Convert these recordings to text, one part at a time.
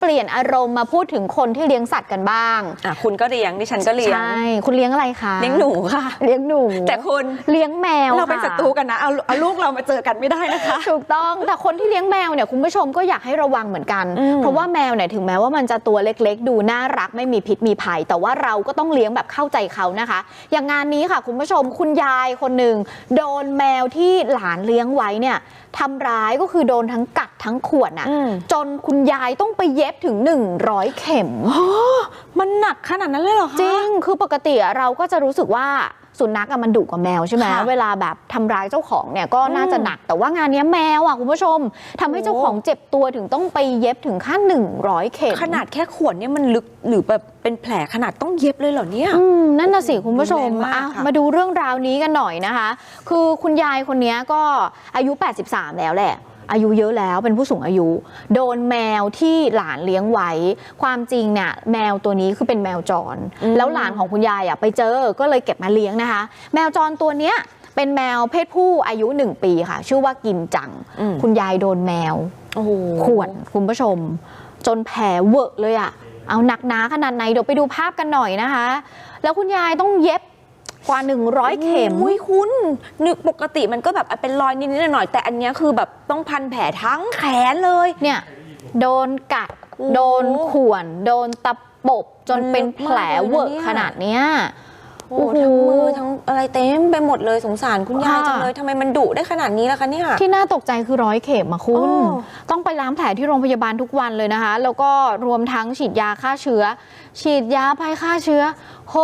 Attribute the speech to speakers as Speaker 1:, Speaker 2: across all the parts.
Speaker 1: เปลี่ยนอารมณ์มาพูดถึงคนที่เลี้ยงสัตว์กันบ้าง
Speaker 2: คุณก็เลี้ยงดิฉันก็เลี้ยง
Speaker 1: ใช่คุณเลี้ยงอะไรคะ
Speaker 2: เลี้ยงหนูค่ะ
Speaker 1: เลี้ยงหนู
Speaker 2: แต่คุณ
Speaker 1: เลี้ยงแมว
Speaker 2: เราเป็นศัตรูกันนะเอาลูกเรามาเจอกันไม่ได้นะคะ
Speaker 1: ถูกต้องแต่คนที่เลี้ยงแมวเนี่ยคุณผู้ชมก็อยากให้ระวังเหมือนกันเพราะว่าแมวเนี่ยถึงแม้ว่ามันจะตัวเล็กๆดูน่ารักไม่มีพิษมีภัยแต่ว่าเราก็ต้องเลี้ยงแบบเข้าใจเขานะคะอย่างงานนี้ค่ะคุณผู้ชมคุณยายคนหนึ่งโดนแมวที่หลานเลี้ยงไว้เนี่ยทำร้ายก็คือโดนทั้งกัดทั้งข่วนจนคุณยายต้องไปเย็บถึง100 เข็ม
Speaker 2: มันหนักขนาดนั้นเลยเหรอคะ
Speaker 1: จริงคือปกติเราก็จะรู้สึกว่าสุนัขมันดุกว่าแมวใช่ไหมเวลาแบบทำร้ายเจ้าของเนี่ยก็น่าจะหนักแต่ว่างานนี้แมวคุณผู้ชมทำให้เจ้าของเจ็บตัวถึงต้องไปเย็บถึงขั้น100 เข็ม
Speaker 2: ขนาดแค่ข่วนเนี่ยมันลึกหรือแบบเป็นแผลขนาดต้องเย็บเลยเหรอเนี่ย
Speaker 1: นั่นน่ะสิคุณผู้ชมมาดูเรื่องราวนี้กันหน่อยนะคะคือคุณยายคนนี้ก็อายุ83แล้วแหละอายุเยอะแล้วเป็นผู้สูงอายุโดนแมวที่หลานเลี้ยงไว้ความจริงเนี่ยแมวตัวนี้คือเป็นแมวจรแล้วหลานของคุณยายไปเจอก็เลยเก็บมาเลี้ยงนะคะแมวจรตัวเนี้ยเป็นแมวเพศผู้อายุ1 ปีค่ะชื่อว่ากินจังคุณยายโดนแมวข่วนคุณผู้ชมจนแผลเวอะเลยเอาหนักหนาขนาดไหนเดี๋ยวไปดูภาพกันหน่อยนะคะแล้วคุณยายต้องเย็บกว่า100 เข็ม
Speaker 2: คุณนึกปกติมันก็แบบเป็นรอยนิดๆหน่อยๆแต่อันนี้คือแบบต้องพันแผลทั้งแขนเลย
Speaker 1: เนี่ยโดนกัดโดนข่วนโดนตะปบจนเป็นแผลเวอะขนาดเนี้ย
Speaker 2: ทั้งมือทั้งอะไรเต็มไปหมดเลยสงสารคุณยายจังเลยทำไมมันดุได้ขนาดนี้ล่ะคะเนี่ย
Speaker 1: ที่น่าตกใจคือ100 เข็มคุณต้องไปล้างแผลที่โรงพยาบาลทุกวันเลยนะคะแล้วก็รวมทั้งฉีดยาฆ่าเชื้อฉีดยาภัยฆ่าเชื้อ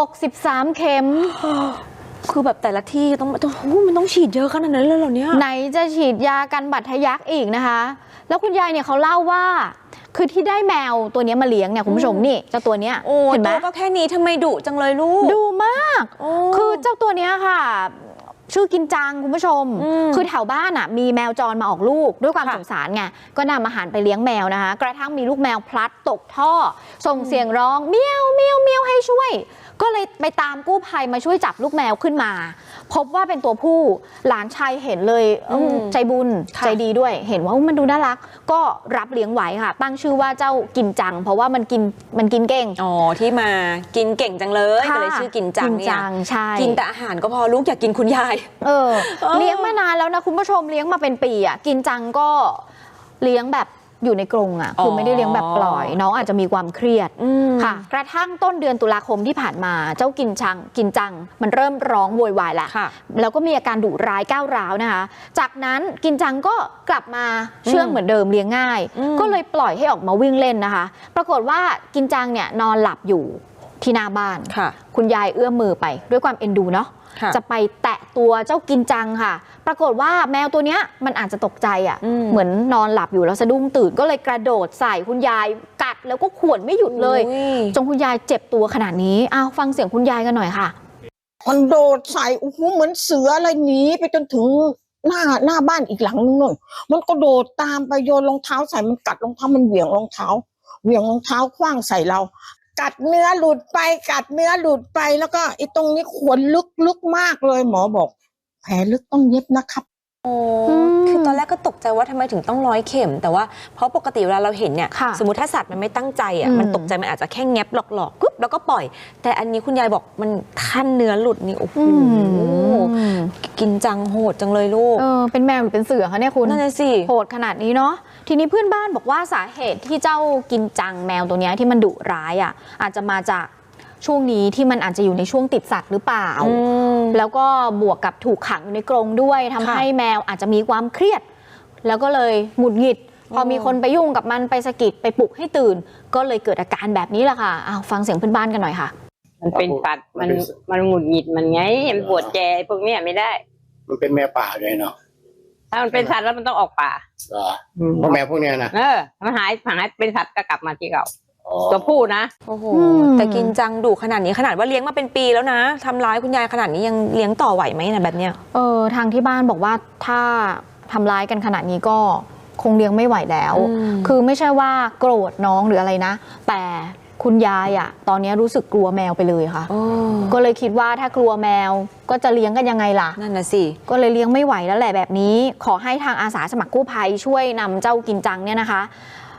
Speaker 1: 63 เข็ม
Speaker 2: คือแบบแต่ละที่มันต้องฉีดเยอะขนาดนั้นเลยเหรอเนี่ย
Speaker 1: ไหนจะฉีดยากันบัดทะยักอีกนะคะแล้วคุณยายเนี่ยเขาเล่าว่าคือที่ได้แมวตัวนี้มาเลี้ยงเนี่ยคุณผู้ชมนี่เจ้าตัวเนี้ย
Speaker 2: เห็นไหมก็แค่นี้ทำไมดุจังเลยลูก
Speaker 1: ดุมากคือเจ้าตัวเนี้ยค่ะชื่อกินจังคุณผู้ชมคือแถวบ้านมีแมวจรมาออกลูกด้วยความสงสารไงก็นำอาหารไปเลี้ยงแมวนะคะกระทั่งมีลูกแมวพลัดตกท่อส่งเสียงร้องเมียวเมียวเมียวให้ช่วยก็เลยไปตามกู้ภัยมาช่วยจับลูกแมวขึ้นมาพบว่าเป็นตัวผู้หลานชายเห็นเลยใจบุญใจดีด้วยเห็นว่ามันดูน่ารักก็รับเลี้ยงไว้ค่ะตั้งชื่อว่าเจ้ากินจังเพราะว่ามันกินเก่ง
Speaker 2: ที่มากินเก่งจังเลยก็เลยชื่อกินจังเนี่ยกินแต่อาหารก็พอลูกอยากกินคุณยาย
Speaker 1: เลี้ยงมานานแล้วนะคุณผู้ชมเลี้ยงมาเป็นปีกินจังก็เลี้ยงแบบอยู่ในกรงคือไม่ได้เลี้ยงแบบปล่อยน้องอาจจะมีความเครียดค่ะกระทั่งต้นเดือนตุลาคมที่ผ่านมาเจ้ากินจังมันเริ่มร้องโวยวายแล้วแล้วก็มีอาการดุร้ายก้าวร้าวนะคะจากนั้นกินจังก็กลับมาเชื่องเหมือนเดิมเลี้ยงง่ายก็เลยปล่อยให้ออกมาวิ่งเล่นนะคะปรากฏว่ากินจังเนี่ยนอนหลับอยู่ที่หน้าบ้านคุณยายเอื้อมมือไปด้วยความเอ็นดูเนาะจะไปแตะตัวเจ้ากินจังค่ะปรากฏว่าแมวตัวเนี้ยมันอาจจะตกใจเหมือนนอนหลับอยู่แล้วสะดุ้งตื่นก็เลยกระโดดใส่คุณยายกัดแล้วก็ข่วนไม่หยุดเลยจนคุณยายเจ็บตัวขนาดนี้ฟังเสียงคุณยายกันหน่อยค่ะ
Speaker 3: มันโดดใส่เหมือนเสืออะไรหนีไปจนถึงหน้าบ้านอีกหลังนึงนู่นมันก็โดดตามไปโยนรองเท้าใส่มันกัดรองเท้ามันเหวี่ยงรองเท้าขว้างใส่เรากัดเนื้อหลุดไปแล้วก็ไอ้ตรงนี้ขวนลึกมากเลยหมอบอกแผลลึกต้องเย็บนะครับ
Speaker 2: คือตอนแรกก็ตกใจว่าทำไมถึงต้อง100 เข็มแต่ว่าเพราะปกติเวลาเราเห็นเนี่ยสมมติถ้าสัตว์มันไม่ตั้งใจมันตกใจมันอาจจะแค่แงบหลอกๆกึ๊บแล้วก็ปล่อยแต่อันนี้คุณยายบอกมันขั้นเนื้อหลุดนี่โอ้โหกินจังโหดจังเลยลูก
Speaker 1: เป็นแมวหรือเป็นเสือคะเนี่ยคุณ
Speaker 2: นั่นน่ะสิ
Speaker 1: โหดขนาดนี้เนาะทีนี้เพื่อนบ้านบอกว่าสาเหตุที่เจ้ากินจังแมวตัวนี้ที่มันดุร้ายอาจจะมาจากช่วงนี้ที่มันอาจจะอยู่ในช่วงติดสัตว์หรือเปล่าแล้วก็บวกกับถูกขังอยู่ในกรงด้วยทำให้แมวอาจจะมีความเครียดแล้วก็เลยหงุดหงิดพอมีคนไปยุ่งกับมันไปสะกิดไปปลุกให้ตื่นก็เลยเกิดอาการแบบนี้แหละค่ะฟังเสียงเพื่อนบ้านกันหน่อยค่ะ
Speaker 4: มันเป็นสัตว์มันหงุดหงิดมันไงมันปวดแจพวกนี้ไม่ได้
Speaker 5: มันเป็นแมวป่าเลยเนาะ
Speaker 4: ถ้ามันเป็นสัตว์แล้วมันต้องออกป่า
Speaker 5: เพราะแมวพวกนี้นะ
Speaker 4: มันหายเป็นสัตว์ก็กลับมาที่เก่าตัวผู้นะ
Speaker 2: โอ้โหแต่กินจังดุขนาดนี้ขนาดว่าเลี้ยงมาเป็นปีแล้วนะทำร้ายคุณยายขนาดนี้ยังเลี้ยงต่อไหวไหมนะแบบเนี้ย
Speaker 1: ทางที่บ้านบอกว่าถ้าทำร้ายกันขนาดนี้ก็คงเลี้ยงไม่ไหวแล้วคือไม่ใช่ว่าโกรธน้องหรืออะไรนะแต่คุณยายตอนนี้รู้สึกกลัวแมวไปเลยค่ะก็เลยคิดว่าถ้ากลัวแมวก็จะเลี้ยงกันยังไงล่ะ
Speaker 2: นั่นน่ะสิ
Speaker 1: ก็เลยเลี้ยงไม่ไหวแล้วแหละแบบนี้ขอให้ทางอาสาสมัครกู้ภัยช่วยนำเจ้ากินจังเนี่ยนะคะ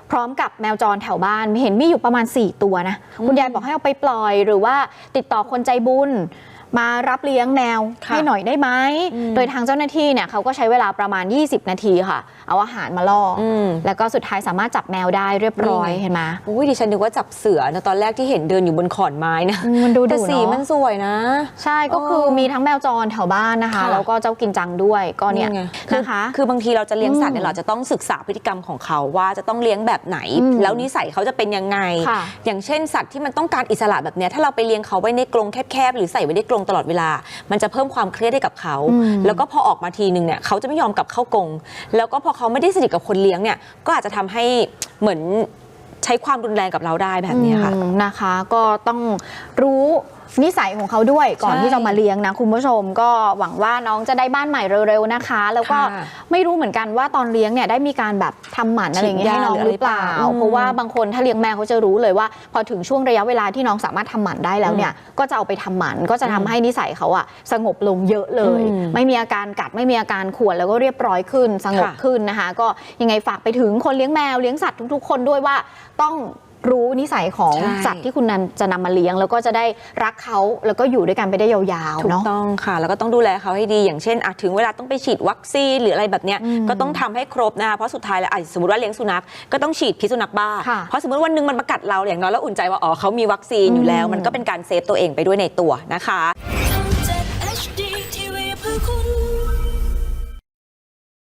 Speaker 1: พร้อมกับแมวจรแถวบ้านเห็นมีอยู่ประมาณ4ตัวนะคุณยายบอกให้เอาไปปล่อยหรือว่าติดต่อคนใจบุญมารับเลี้ยงแมวให้หน่อยได้ไหมโดยทางเจ้าหน้าที่เนี่ยเขาก็ใช้เวลาประมาณ20นาทีค่ะเอาอาหารมาล่อแล้วก็สุดท้ายสามารถจับแมวได้เรียบร้อยเห็นไหม
Speaker 2: อุ้ยดิฉันนึกว่าจับเสือนะตอนแรกที่เห็นเดินอยู่บนขอนไม้นะ
Speaker 1: มันดู
Speaker 2: แต่สีมันสวยนะ
Speaker 1: ใช่ก็คือมีทั้งแมวจรแถวบ้านนะคะแล้วก็เจ้ากินจังด้วยก็เนี่ยนะคะ
Speaker 2: คือบางทีเราจะเลี้ยงสัตว์เนี่ยเราจะต้องศึกษาพฤติกรรมของเขาว่าจะต้องเลี้ยงแบบไหนแล้วนิสัยเขาจะเป็นยังไงอย่างเช่นสัตว์ที่มันต้องการอิสระแบบเนี้ยถ้าเราไปเลี้ยงเขาไว้ในกรงแคบๆหรือใส่ไว้ในกรงตลอดเวลามันจะเพิ่มความเครียดให้กับเขาแล้วก็พอออกมาทีนึงเนี่ยเขาจะไม่ยอมกลับเข้ากรงแล้วก็พอเขาไม่ได้สนิทกับคนเลี้ยงเนี่ยก็อาจจะทำให้เหมือนใช้ความรุนแรงกับเราได้แบบนี้ค่ะ
Speaker 1: นะคะก็ต้องรู้นิสัยของเขาด้วยก่อนที่จะมาเลี้ยงนะคุณผู้ชมก็หวังว่าน้องจะได้บ้านใหม่เร็วๆนะคะแล้วก็ไม่รู้เหมือนกันว่าตอนเลี้ยงเนี่ยได้มีการแบบทำหมันอะไรอย่างเงี้ยให้น้องหรือเปล่าเพราะว่าบางคนถ้าเลี้ยงแมวเขาจะรู้เลยว่าพอถึงช่วงระยะเวลาที่น้องสามารถทำหมันได้แล้วเนี่ยก็จะเอาไปทำหมันก็จะทำให้นิสัยเขาอะสงบลงเยอะเลยไม่มีอาการกัดไม่มีอาการข่วนแล้วก็เรียบร้อยขึ้นสงบขึ้นนะคะก็ยังไงฝากไปถึงคนเลี้ยงแมวเลี้ยงสัตว์ทุกๆคนด้วยว่าต้องรู้นิสัยของสัตว์ที่คุณจะนำมาเลี้ยงแล้วก็จะได้รักเขาแล้วก็อยู่ด้วยกันไปได้ยาวๆ
Speaker 2: ถูกต้องค่ะแล้วก็ต้องดูแลเขาให้ดีอย่างเช่นถึงเวลาต้องไปฉีดวัคซีนหรืออะไรแบบเนี้ยก็ต้องทำให้ครบนะคะเพราะสุดท้ายแล้วสมมติว่าเลี้ยงสุนัขก็ต้องฉีดพิษสุนัขบ้าเพราะสมมติวันนึงมันมากัดเราอย่างน้อยแล้วอุ่นใจว่าเขามีวัคซีนอยู่แล้วมันก็เป็นการเซฟตัวเองไปด้วยในตัวนะคะ